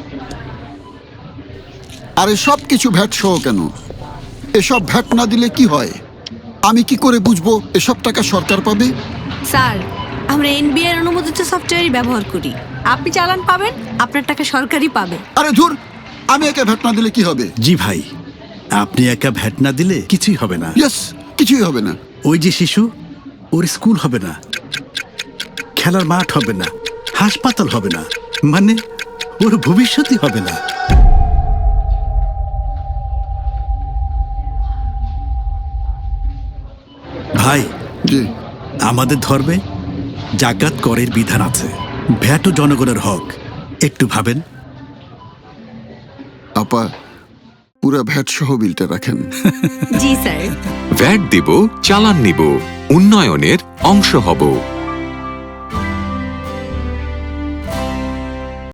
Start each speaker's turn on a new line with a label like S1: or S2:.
S1: আরে সব কিছু ভ্যাট সহ কেন? এসব ভ্যাট না দিলে কি হয়? আমি কি করে বুঝবো এসব টাকা সরকার পাবে?
S2: স্যার, আমরা এনবিআর অনুমোদিত সফটওয়্যারই ব্যবহার করি। আপনি চালান পাবেন, আপনার টাকা সরকারই পাবে।
S1: আরে ধুর, আমি একা ভ্যাট না দিলে কি হবে?
S3: জি ভাই, আপনি একা ভ্যাট না দিলে কিছুই হবে না।
S1: ইয়েস, কিছুই হবে না।
S3: ওই যে শিশু, ওর স্কুল হবে না, খেলার মাঠ হবে না, হাসপাতাল হবে না, মানে ওর ভবিষ্যৎই হবে না। ভাই,
S1: জি।
S3: আমাদের ধর্মে জাকাত করের বিধান আছে, ভ্যাটও জনগণের হক। একটু ভাবেন।
S1: আপা, পুরা ভ্যাট সহ বিলটা রাখেন।
S2: জি স্যার।
S4: ভ্যাট দেব, চালান নিব, উন্নয়নের অংশ হব।